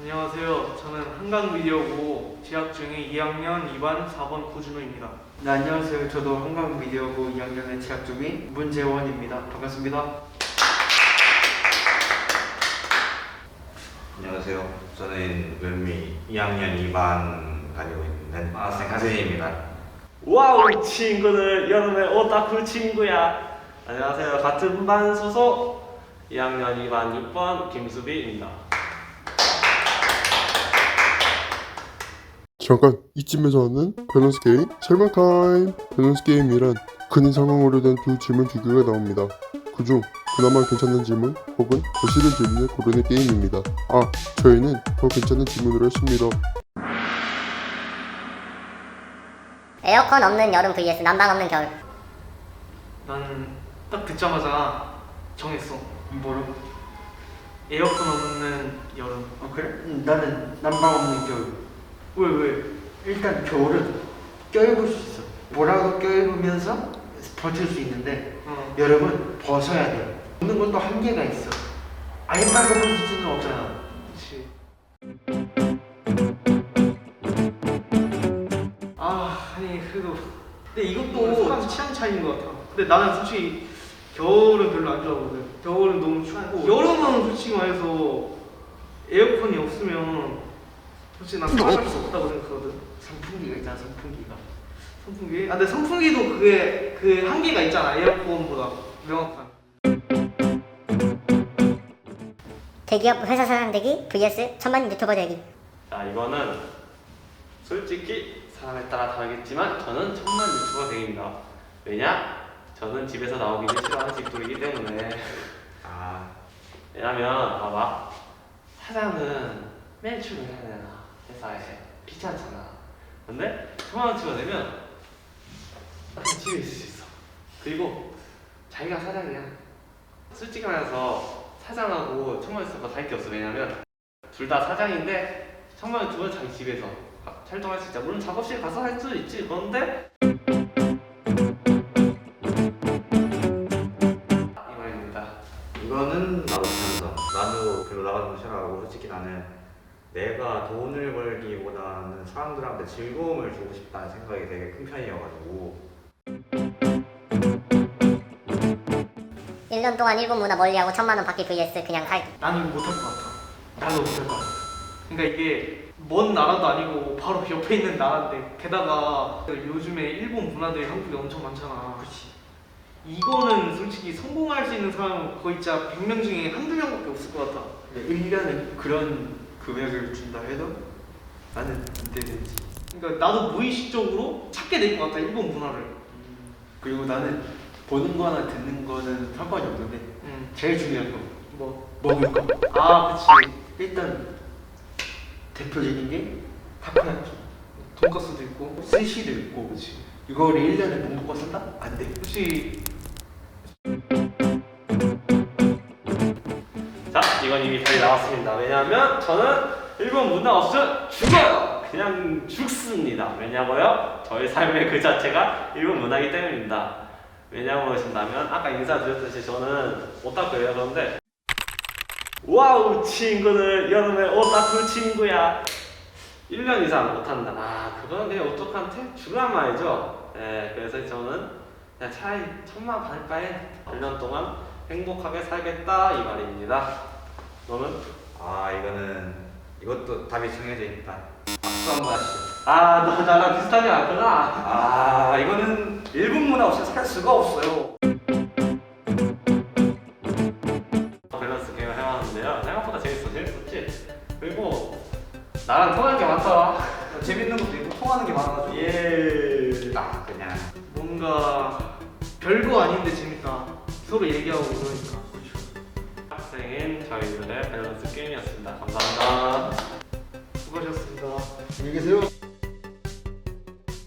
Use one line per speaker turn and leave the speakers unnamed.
안녕하세요. 저는 한강미디어고 재학 중인 2학년 2반 4번 구준호입니다.
네, 안녕하세요. 저도 한강미디어고 2학년에 재학 중인 문재원입니다. 반갑습니다.
안녕하세요. 저는 을미 2학년 2반 다니고 있는 학생 하세희입니다.
와우 친구들, 여름에 오타쿠 친구야. 안녕하세요. 같은 반 소속 2학년 2반 6번 김수비입니다.
잠깐, 이쯤에서 하는 밸런스 게임 설명 타임. 밸런스 게임이란 큰 상황으로 된 두 질문 두 개가 나옵니다. 그중 그나마 괜찮은 질문 혹은 더 싫은 질문을 고르는 게임입니다. 저희는 더 괜찮은 질문을 했습니다.
에어컨 없는 여름 vs 난방 없는 겨울.
나는 딱 듣자마자 정했어.
뭐로?
에어컨 없는 여름.
그래? 나는 난방 없는 겨울.
왜?
일단 겨울은 껴입을 수 있어. 뭐라도 껴입으면서 버틸 수 있는데 여름은 벗어야 돼. 입는 것도 한계가 있어. 아예 빨고 벗을 수는 없잖아.
그렇지. 아니 그래도 근데 이것도 사람 취향 차이인 것 같아. 근데 나는 솔직히 겨울은 별로 안 좋아하거든. 겨울은 너무 춥고 여름은 솔직히 말해서 에어컨이 없으면 솔직히 난 살아갈 수 없다고 생각하거든.
선풍기가 있잖아, 선풍기가.
선풍기? 근데 선풍기도 그게 그 한계가 있잖아. 에어컨보다 명확한.
대기업 회사 사장 되기 vs 천만 유튜버 되기.
자, 이거는 솔직히 사람에 따라 다르겠지만 저는 천만 유튜버 되기입니다. 왜냐? 저는 집에서 나오기를 싫어하는 집돌이기 때문에. 왜냐면 봐봐, 사장은 매일 출근해야 되나 회사에 귀찮잖아. 근데 천만 유튜버 되면 그냥 집에 있을 수 있어. 그리고 자기가 사장이야. 솔직히 말해서 사장하고 천만 유튜버가 다를 게 없어. 왜냐면 둘 다 사장인데 천만 유튜버는 자기 집에서 활동할 수 있다. 물론 작업실 가서 할 수도 있지. 그런데 이 말입니다.
이거는 나도 찬성. 나도 별로 나가는 거 싫어하고 솔직히 나는 내가 돈을 벌기보다는 사람들한테 즐거움을 주고 싶다는 생각이 되게 큰 편이어가지고
1년 동안 일본 문화 멀리하고 천만 원 받기 vs 그냥 살기.
나는 이거 못할 것 같아. 나도 못할 것 같아. 그러니까 이게 먼 나라도 아니고 바로 옆에 있는 나라인데 게다가 요즘에 일본 문화들이 한국에 엄청 많잖아.
그렇지.
이거는 솔직히 성공할 수 있는 사람은 거의 진짜 100명 중에 한두 명밖에 없을 것 같아.
1년에 그런 금액을 준다 해도 나는 안 되는지.
그러니까 나도 무의식적으로 찾게 될 것 같아, 일본 문화를.
그리고 나는 보는 거나 듣는 거는 상관이 없는데 제일 중요한 거 먹을 거.
그치.
일단 대표적인 게 타코야키,
돈가스도 있고.
스시도 있고.
그치.
이거를 1년에 못 먹고 산다? 안 돼.
혹시
자, 이건 이미 답이 나왔습니다. 왜냐하면 저는 일본 문화 없으면 죽어요. 그냥 죽습니다. 왜냐고요? 저의 삶의 그 자체가 일본 문화이기 때문입니다. 왜냐고 하신다면 아까 인사드렸듯이 저는 오타쿠예요. 그런데 와우 친구들, 여름에 오타쿠 친구야. 1년 이상 못한다. 그건 그냥 오타쿠한테 죽으란 말이죠. 네, 그래서 저는 그냥 차라리 천만 받을 바에 1년 동안 행복하게 살겠다 이 말입니다. 너는?
이것도 답이 정해져 있다.
박수 한번 하시죠. 너 나랑 비슷하지 않구나.
이거는 일본 문화 없이 살 수가 없어요.
밸런스 게임을 해봤는데요. 생각보다 재밌었지? 그리고 나랑 통하는 게 많더라.
재밌는 것도 있고 통하는 게 많아가지고
예.
딱 그냥
뭔가 별거 아닌데 재밌다. 서로 얘기하고 그러니까.
학생인 저희들의 밸런스 게임이었습니다. 감사합니다.
수고하셨습니다.
안녕히 계세요.